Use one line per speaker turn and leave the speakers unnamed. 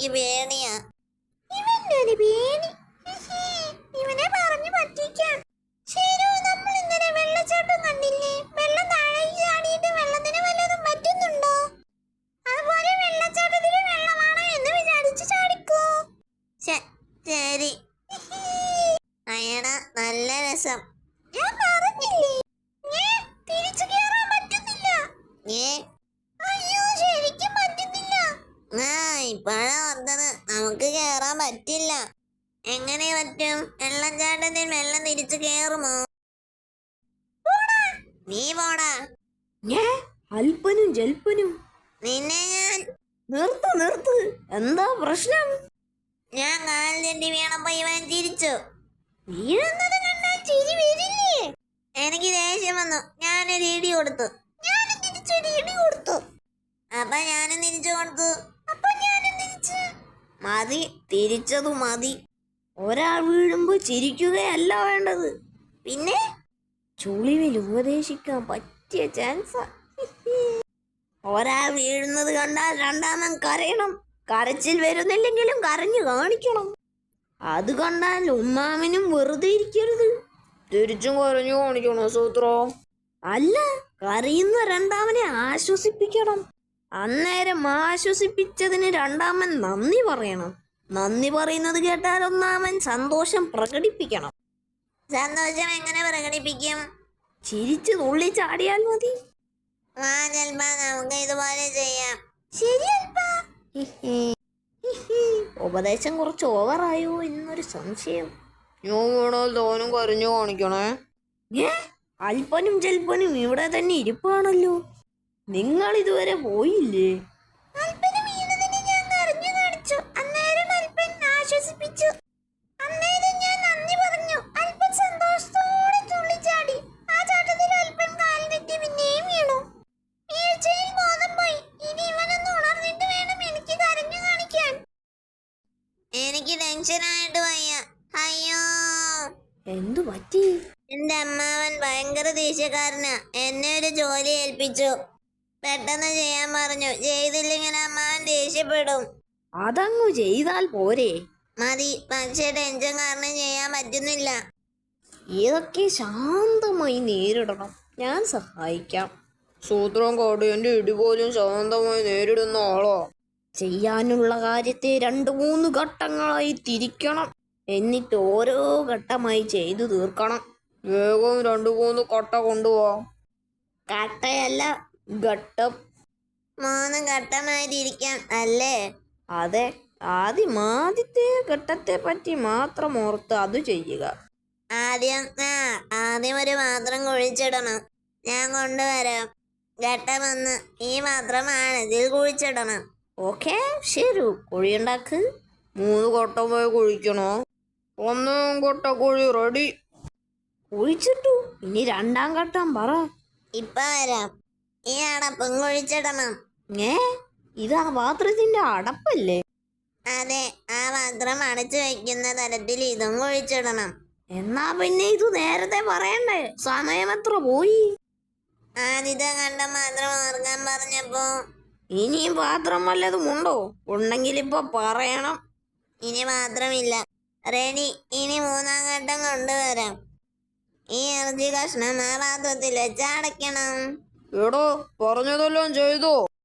എനിക്ക് പേടിയാ.
ഇവന്റെ ഒരു പേടി. ഇവനെ പറഞ്ഞു പറ്റിക്കാം. ശരി, നമ്മൾ ഇന്നലെ വെള്ളച്ചാട്ടം കണ്ടില്ലേ? വെള്ളം താഴേക്ക് ചാടിയിട്ട് വെള്ളത്തിന് വല്ലതും പറ്റുന്നുണ്ടോ? അതുപോലെ വെള്ളച്ചാട്ടത്തിന് വെള്ളമാണോ എന്ന് വിചാരിച്ച് ചാടിക്കോ.
ശരി. അയ്യടാ, നല്ല രസം.
ഞാൻ പറഞ്ഞില്ലേ തിരിച്ചു കേറാൻ പറ്റുന്നില്ല. അയ്യോ, ശരിക്കും പറ്റുന്നില്ല.
ഇപ്പഴാ ഓർത്തത് നമുക്ക് കേറാൻ പറ്റില്ല. എങ്ങനെ പറ്റും? വെള്ളച്ചാട്ടത്തിൽ വെള്ളം തിരിച്ചു കേറുമോ? നീ പോടാ.
അല്പനും ജൽപ്പനും
നിന്നെ ഞാൻ
നിർത്ത്. എന്താ പ്രശ്നം?
ഞാൻ കാൽ തെറ്റി വീണപ്പോ ഇവൻ ചിരിച്ചു.
വീഴുന്നത് കണ്ടാൽ ചിരി വരില്ലേ?
എനിക്ക് ദേഷ്യം വന്നു. ഞാനൊരു ഇടി കൊടുത്തു.
ഞാനും തിരിച്ചൊരു ഇടി കൊടുത്തു.
അപ്പൊ ഞാനും തിരിച്ചു കൊടുത്തു.
അപ്പൊ ഞാനും തിരിച്ച്.
മതി, തിരിച്ചതു മതി. ഒരാൾ വീഴുമ്പോ ചിരിക്കുകയല്ല വേണ്ടത്, പിന്നെ ചുളിവിൽ ഉപദേശിക്കാൻ പറ്റിയ ചാൻസാ. ഒരാൾ വീഴുന്നത് കണ്ടാൽ രണ്ടാമൻ കരയണം. കരച്ചിൽ വരുന്നില്ലെങ്കിലും കരഞ്ഞു കാണിക്കണം. അത് കണ്ടാൽ ഒന്നാമനും വെറുതെ ഇരിക്കരുത്, തിരിച്ചും കരഞ്ഞു കാണിക്കണോ സൂത്രോ? അല്ല, കരയുന്ന രണ്ടാമനെ ആശ്വസിപ്പിക്കണം. അന്നേരം ആശ്വസിപ്പിച്ചതിന് രണ്ടാമൻ നന്ദി പറയണം. നന്ദി പറയുന്നത് കേട്ടാൽ ഒന്നാമൻ സന്തോഷം പ്രകടിപ്പിക്കണം.
സന്തോഷം എങ്ങനെ പ്രകടിപ്പിക്കും?
ചിരിച്ചു തുള്ളി ചാടിയാൽ മതി.
ചിലപ്പോ നമുക്ക് ഇതുപോലെ ചെയ്യാം.
ശരി അൽപ്പാ.
ഉപദേശം കുറച്ച് ഓവറായോ എന്നൊരു സംശയം.
ഞാൻ വേണോ തോനും കരഞ്ഞു കാണിക്കണേ?
അല്പനും ജൽപ്പനും ഇവിടെ തന്നെ ഇരിപ്പാണല്ലോ. നിങ്ങൾ ഇതുവരെ പോയില്ലേ?
അൽപ്പന് വീണതിന് ഞാൻ കരഞ്ഞു കാണിച്ചു. അന്നേരം അൽപ്പൻ ആശ്വസിപ്പിച്ചു. അന്നേരം ഞാൻ നന്ദി പറഞ്ഞു. അൽപ്പൻ സന്തോഷത്തോടെ തുള്ളിച്ചാടി. ആ ചാട്ടത്തിൽ അൽപ്പൻ കാൽ തെറ്റി പിന്നെയും വീണു. വീഴ്ചയിൽ ബോധം പോയി. ഇനി ഇവനൊന്ന് ഉണർന്നിട്ട് വേണം എനിക്ക് കരഞ്ഞു കാണിക്കാൻ.
എനിക്ക് ടെൻഷനായിട്ട് വയ്യ. അയ്യോ,
എന്തു പറ്റി?
എന്റെ അമ്മാവൻ ഭയങ്കര ദേഷ്യക്കാരനാ. എന്നെ ഒരു ജോലി ഏൽപ്പിച്ചു. പെട്ടെന്ന് ചെയ്യാൻ പറഞ്ഞു. ചെയ്തില്ലെങ്കിൽ അമ്മാവൻ ദേഷ്യപ്പെടും.
അതങ്ങു ചെയ്താൽ പോരെ?
മതി, പക്ഷേ ടെൻഷൻ കാരണം ചെയ്യാൻ പറ്റുന്നില്ല.
ഇതൊക്കെ ശാന്തമായി നേരിടണം. ഞാൻ സഹായിക്കാം.
സൂത്രം കാടിയന്റെ ഇടി പോലും ശാന്തമായി നേരിടുന്ന ആളോ?
ചെയ്യാനുള്ള കാര്യത്തെ 2-3 ഘട്ടങ്ങളായി തിരിക്കണം. എന്നിട്ട് ഓരോ ഘട്ടമായി ചെയ്തു തീർക്കണം.
വേഗം 2-3 കട്ട കൊണ്ടുപോവാ.
കട്ടയല്ല, ഘട്ടം.
3 ഘട്ടമായി തിരിക്കാം അല്ലേ?
അതെ, ആദ്യത്തെ ഘട്ടത്തെ പറ്റി മാത്രം ഓർത്ത് അത് ചെയ്യുക.
ആദ്യം ഒരു പാത്രം കുഴിച്ചിടണം. ഞാൻ കൊണ്ടുവരാം. ഘട്ടം 1, ഈ പാത്രമാണ്, ഇതിൽ കുഴിച്ചിടണം.
ഓക്കെ, ശരി, കുഴിയുണ്ടാക്ക്.
3 ഘട്ടമായി കുഴിക്കണോ? 1 ഘട്ട കുഴി റെഡി.
കുഴിച്ചിട്ടു. ഇനി 2ാം ഘട്ടം പറ.
ഇപ്പൊ വരാം. ഈ അടപ്പും കുഴിച്ചിടണം.
ഇതാ പാത്രത്തിന്റെ അടപ്പല്ലേ?
അതെ, ആ പാത്രം അടച്ചു വെക്കുന്ന തരത്തിൽ ഇതും കുഴിച്ചിടണം.
എന്നാ പിന്നെ ഇത് നേരത്തെ പറയണ്ടേ? സമയം എത്ര പോയി?
ആദ്യത്തെ ഘട്ടം മാത്രം ഓർക്കാൻ പറഞ്ഞപ്പോ.
ഇനിയും പാത്രം വല്ലതും ഉണ്ടോ? ഉണ്ടെങ്കിൽ ഇപ്പൊ പറയണം.
ഇനി പാത്രമില്ല. റെഡി. ഇനി 3ാം ഘട്ടം കൊണ്ടുവരാം. ഈ ഇറച്ചി കഷ്ണം ആ പാത്രത്തിൽ വെച്ച് അടയ്ക്കണം.
എടോ, പറഞ്ഞതെല്ലാം ചെയ്തോ?